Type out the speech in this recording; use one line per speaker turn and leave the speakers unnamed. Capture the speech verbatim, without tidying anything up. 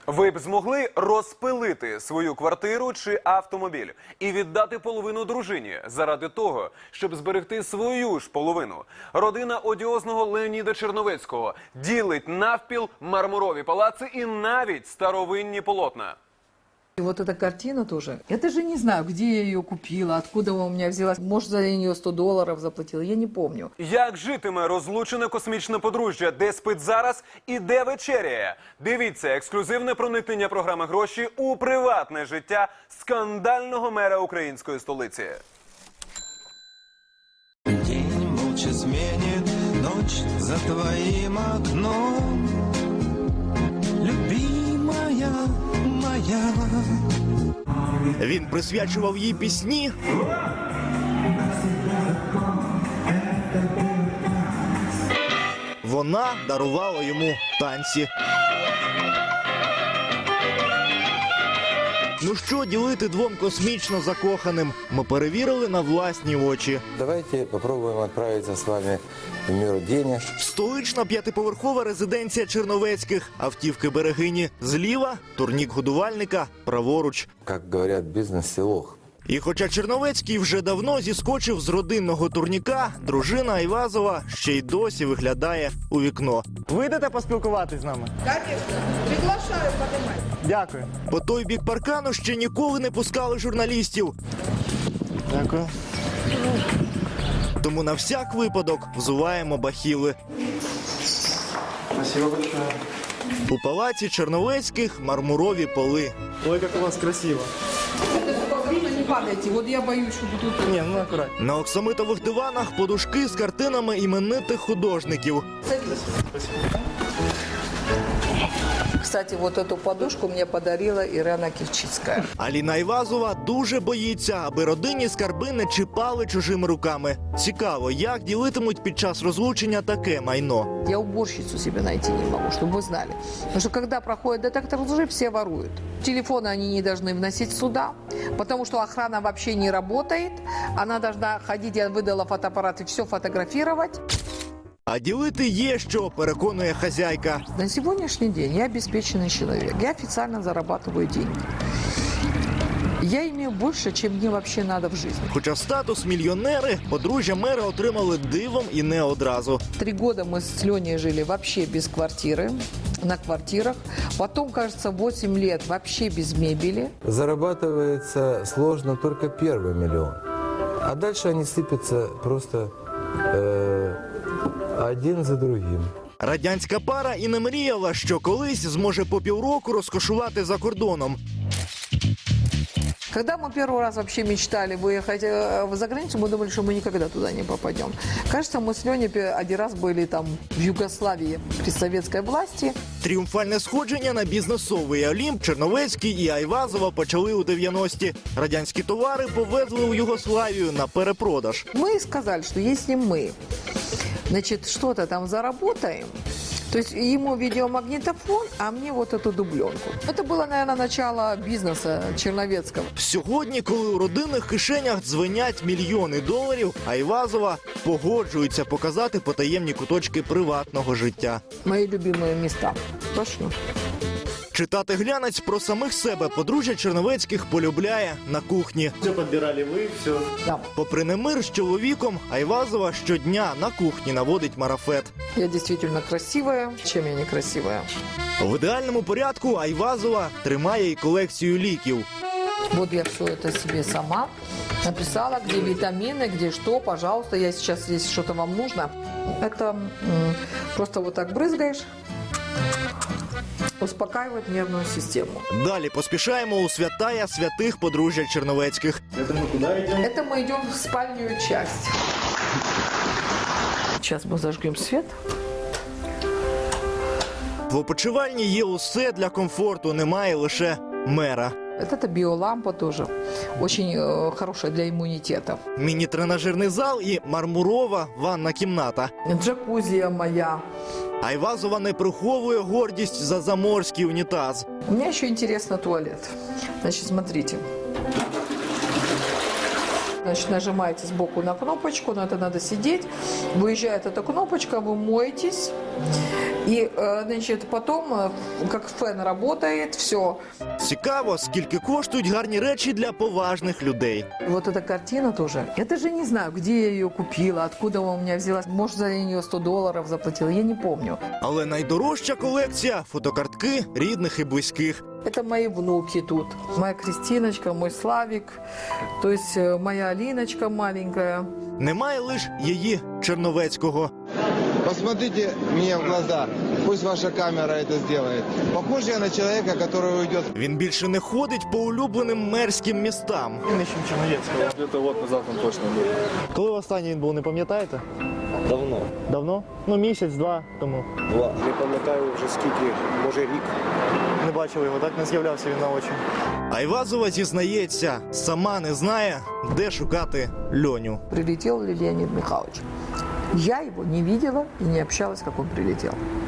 Ви б змогли розпилити свою квартиру чи автомобіль і віддати половину дружині заради того, щоб зберегти свою ж половину? Родина одіозного Леоніда Черновецького ділить навпіл мармурові палаци і навіть старовинні полотна.
И вот эта картина тоже. Я даже не знаю, где я ее купила, откуда она у меня взялась. Может, за нее сто долларов заплатила, я не помню.
Як житиме розлучене космічне подружжя, де спить зараз і де вечеряє? Дивіться ексклюзивне проникнення програми «Гроші» у приватне життя скандального мера української столиці.
День молча сменит ночь за твоим окном. Любимая моя.
Він присвячував їй пісні, вона дарувала йому танці. Ну що ділити двом космічно закоханим? Ми перевірили на власні очі.
Давайте попробуем отправиться с вами в мир денег.
Столична п'ятиповерхова резиденція Черновецьких. Автівки берегині зліва, турнік годувальника праворуч.
Как говорят, бизнес-селох.
І хоча Черновецький вже давно зіскочив з родинного турніка, дружина Айвазова ще й досі виглядає у вікно.
Вийдете поспілкуватись з нами?
Конечно. Приглашаю, поднимать.
Дякую.
По той бік паркану ще ніколи не пускали журналістів.
Дякую.
Тому на всяк випадок взуваємо бахіли.
Спасибо большое.
У палаці Черновецьких мармурові поли.
Ой, как у вас красиво.
Не падайте, вот я боюсь, что тут...
Не, ну аккуратно.
На оксамитових диванах подушки з картинами іменитих художників.
Садись. Кстати, вот эту подушку мне подарила Ирена Кивчицкая.
Аліна Айвазова дуже боїться, аби родинні скарби не чіпали чужими руками. Цікаво, як ділитимуть під час розлучення таке майно.
Я уборщицу себе найти не могу, чтобы вы знали. Потому что когда проходит детектор лжи, все воруют. Телефоны они не должны вносить сюда, потому что охрана вообще не работает. Она должна ходить, я выдала фотоаппарат и все фотографировать.
А ділити є що, переконує хазяйка.
На сегодняшний день я обеспеченный человек. Я официально зарабатываю деньги. Я имею больше, чем мне вообще надо в жизни.
Хоча статус мільйонери подружжя мера отримали дивом і не одразу.
Три года мы с Леней жили вообще без квартиры, на квартирах. Потом, кажется, восемь лет вообще без мебели.
Зарабатывается сложно только первый миллион. А дальше они сыпятся просто э, один за другим.
Радянська пара і не мріяла, що колись зможе по півроку розкошувати за кордоном.
Когда мы первый раз вообще мечтали выехать э, за границу, мы думали, что мы никогда туда не попадем. Кажется, мы с Леней один раз были там в Югославии при советской власти.
Тріумфальне сходження на бізнесовий Олімп Черновецький і Айвазова почали у дев'яності. Радянські товари повезли у Югославію на перепродаж.
Мы сказали, что если мы, значит, что-то там заработаем, то есть ему видеомагнитофон, а мне вот эту дубленку. Это было, наверное, начало бизнеса Черновецкого.
Сьогодні, коли у родинних кишенях дзвенять мільйони доларів, Айвазова погоджується показати потаємні куточки приватного життя.
Мои любимые места. Пошлю.
Читати глянець про самих себе подружжя Черновецьких полюбляє на кухні.
Все подбирали вы, все.
Да.
Попри немир з чоловіком, Айвазова щодня на кухні наводить марафет.
Я действительно красивая. Чем я не красивая?
В ідеальному порядку Айвазова тримає і колекцію ліків.
Вот я все это себе сама написала, где витамины, где что, пожалуйста, я сейчас, если что-то вам нужно. Это м, просто вот так брызгаешь, успокаивает нервную систему.
Далі поспішаємо у святая святих подружжя Черновецьких.
Это мы куда идем?
Это мы идем в спальную часть. Сейчас мы зажгем свет.
В опочивальні є усе для комфорту, немає лише мера.
Вот это биолампа тоже. Очень э, хорошая для иммунитета.
Міні-тренажерний зал і мармурова ванна кімната.
Джакузи моя.
Айвазова не приховує гордість за заморський унітаз.
У меня еще интересно туалет. Значит, смотрите. Значит, нажимаете сбоку на кнопочку, но это надо сидеть. Выезжает эта кнопочка, вы моетесь. И, э, значит, потом, э, как фен работает, все.
Цікаво, скільки коштують гарні речі для поважних людей.
Вот эта картина тоже. Я даже не знаю, где я ее купила, откуда она у меня взялась. Может, за нее сто долларов заплатила, я не помню.
Але найдорожча колекція – фотокартки рідних і близьких.
Это мои внуки тут. Моя Кристиночка, мой Славик, то есть э, моя Алиночка маленькая.
Немає лише її Черновецького.
Посмотрите мне в глаза. Пусть ваша камера это сделает. Похож я на человека, который уйдет.
Він більше не ходить по улюбленим мерським містам.
Ищем Черновецкого. Где-то год назад он точно был.
Коли останній він був, не пам'ятаєте?
Давно.
Давно? Ну, місяць-два тому.
Два. Не пам'ятаю вже скільки, може рік.
Не бачили його, так? Не з'являвся він на очі.
Айвазова зізнається, сама не знає, де шукати Льоню.
Прилетел ли Леонид Михайлович? Я его не видела и не общалась, как он прилетел.